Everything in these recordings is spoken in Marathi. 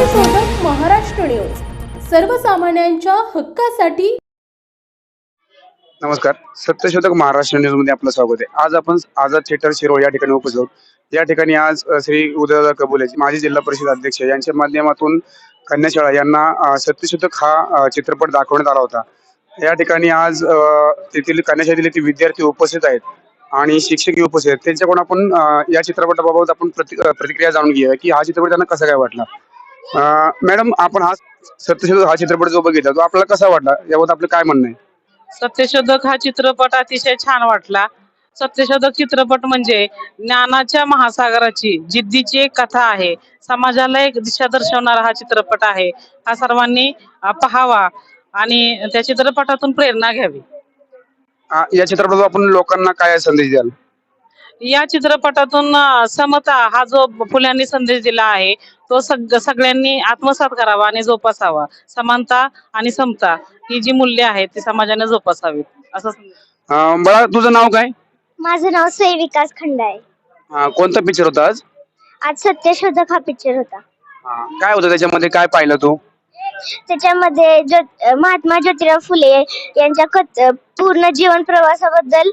सत्यशोधक महाराष्ट्र न्यूज, सर्वसामान्यांच्या हक्कासाठी। नमस्कार, सत्यशोधक महाराष्ट्र न्यूज मध्ये आपलं स्वागत आहे। आज आपण आझाद थिएटर शिरोळ या ठिकाणी उपस्थित आहोत। या ठिकाणी आज श्री उदयदादा कबुले माजी जिल्हा परिषद अध्यक्ष यांच्या माध्यमातून कन्याशाळा यांना सत्यशोधक हा चित्रपट दाखवण्यात आला होता। या ठिकाणी आज तेथील कन्याशाळेतील विद्यार्थी उपस्थित आहेत आणि शिक्षकही उपस्थित आहेत। त्यांच्याकडून आपण या चित्रपटाबाबत आपण प्रतिक्रिया जाणून घेऊया की हा चित्रपट त्यांना कसा काय वाटला। मॅडम, आपण हा सत्यशोधक हा चित्रपट जो बघितला तो आपल्याला कसा वाटला, याबद्दल आपलं काय म्हणणं आहे? सत्यशोधक हा चित्रपट अतिशय छान वाटला। सत्यशोधक चित्रपट म्हणजे ज्ञानाच्या महासागराची जिद्दीची एक कथा आहे। समाजाला एक दिशा दर्शवणारा हा चित्रपट आहे। हा सर्वांनी पाहावा आणि त्या चित्रपटातून प्रेरणा घ्यावी। या चित्रपटातून आपण लोकांना काय संदेश द्याल? या चित्रपटातून समता हा जो फुल्यांनी संदेश दिला आहे तो सगळ्यांनी आत्मसात करावा आणि जोपासावा। समानता आणि समता ही जी मूल्य आहेत ती समाजाने जोपासावीत असं। बाळा, तुझं नाव काय? माझं नाव सई विकास खंडाळे। कोणता पिक्चर होता आज? आज सत्यशोधक हा पिक्चर होता। काय होतं त्याच्यामध्ये, काय पाहिलं तू? त्याच्यामध्ये महात्मा ज्योतिराव फुले यांच्या पूर्ण जीवन प्रवासाबद्दल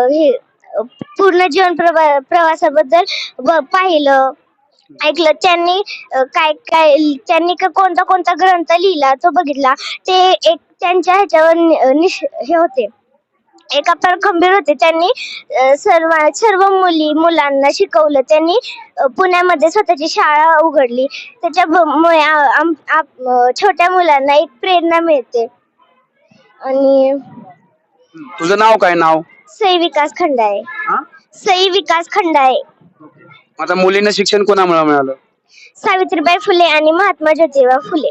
पाहिलं, ऐकलं। त्यांनी कोणता कोणता ग्रंथ लिहिला तो बघितला। ते एक त्यांच्या ह्याच्यावर हे होते, एका खंबीर होते। त्यांनी सर्व मुलांना शिकवलं। त्यांनी पुण्यामध्ये स्वतःची शाळा उघडली। त्याच्यामुळे छोट्या मुलांना एक प्रेरणा मिळते। आणि तुझं नाव काय? नाव सई विकास खंडाळे। सई विकास खंडाळे। आता मुलींना शिक्षण कोणामुळे मिळालं? सावित्रीबाई फुले आणि महात्मा ज्योतिराव फुले।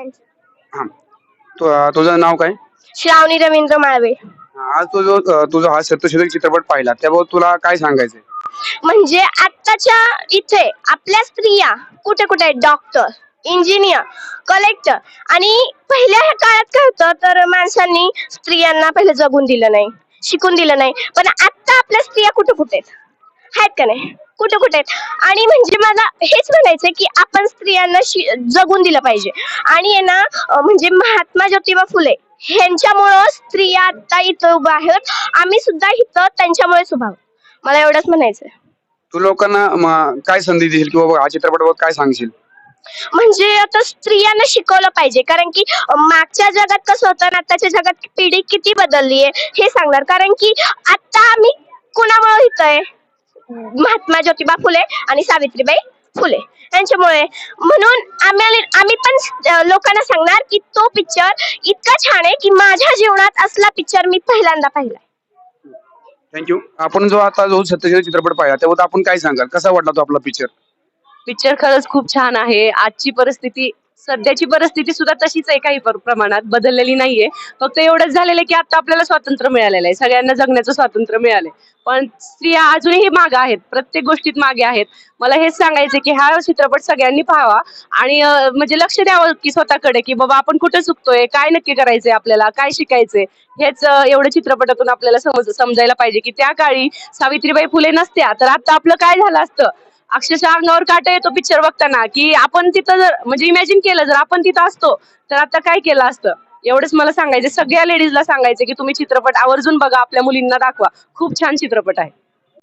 तुझं नाव काय? श्रावणी रवींद्र माळवे। आज तुझा हा सत्यशोधक चित्रपट पाहिला, त्याबाबत तुला काय सांगायचंय? म्हणजे आत्ताच्या इथे आपल्या स्त्रिया कुठे कुठे आहेत? Doctor, engineer, collector. आणि पहिल्या काळात काय होतं तर माणसांनी स्त्रियांना पहिले जगून दिलं नाही, शिकून दिलं नाही। पण आता आपल्या स्त्रिया कुठे कुठे आहेत का नाही? कुठे कुठे आहेत। आणि म्हणजे मला हेच म्हणायचंय की आपण स्त्रियांना जगून दिलं पाहिजे। आणि ना म्हणजे महात्मा ज्योतिबा फुले ह्यांच्यामुळं स्त्रिया आता इथं उभा आहेत। आम्ही सुद्धा इथं त्यांच्यामुळेच उभा आहोत। मला एवढंच म्हणायचंय। तू लोकांना काय संधी देशील किंवा हा चित्रपटाबाबत काय सांगशील? म्हणजे आता स्त्रियांना शिकवलं पाहिजे, कारण की मागच्या जगात कसं होतं आणि आताच्या जगात पिढी किती बदलली आहे हे सांगणार। कारण की आता आम्ही कुणामुळे इथं आहे? महात्मा ज्योतिबा फुले आणि सावित्रीबाई फुले यांच्यामुळे। म्हणून आम्ही पण लोकांना सांगणार की तो पिक्चर इतका छान आहे की माझ्या जीवनात असला पिक्चर मी पहिल्यांदा पाहिला। थँक्यू। आपण जो सत्यशोधक चित्रपट पाहिला त्याबद्दल आपण काय सांगाल, कसा वाटला तो आपला पिक्चर? पिक्चर खरंच खूप छान आहे। आजची परिस्थिती, सध्याची परिस्थिती सुद्धा तशीच आहे, काही प्रमाणात बदललेली नाहीये। फक्त एवढंच झालेलं आहे की आता आपल्याला स्वातंत्र्य मिळालेलं आहे, सगळ्यांना जगण्याचं स्वातंत्र्य मिळालंय। पण स्त्रिया अजूनही मागे आहेत, प्रत्येक गोष्टीत मागे आहेत। मला हेच सांगायचं की हा चित्रपट सगळ्यांनी पाहावा आणि म्हणजे लक्ष द्यावं की स्वतःकडे, की बाबा आपण कुठे चुकतोय, काय नक्की करायचंय, आपल्याला काय शिकायचंय, हेच एवढं चित्रपटातून आपल्याला समजायला पाहिजे की त्या काळी सावित्रीबाई फुले नसत्या तर आता आपलं काय झालं असतं। अक्षरशः अंगावर काटा येतो पिक्चर बघताना की आपण तिथं जर म्हणजे इमॅजिन केलं जर आपण तिथं असतो तर आता काय केलं असतं। एवढंच मला सांगायचं, सगळ्या लेडीजला सांगायचं की तुम्ही चित्रपट आवर्जून बघा, आपल्या मुलींना दाखवा। खूप छान चित्रपट आहे।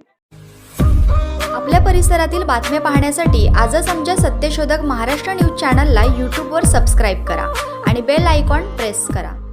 आपल्या परिसरातील बातम्या पाहण्यासाठी आजच आमच्या सत्यशोधक महाराष्ट्र न्यूज चॅनलला यूट्यूबवर सबस्क्राईब करा आणि बेल आयकॉन प्रेस करा।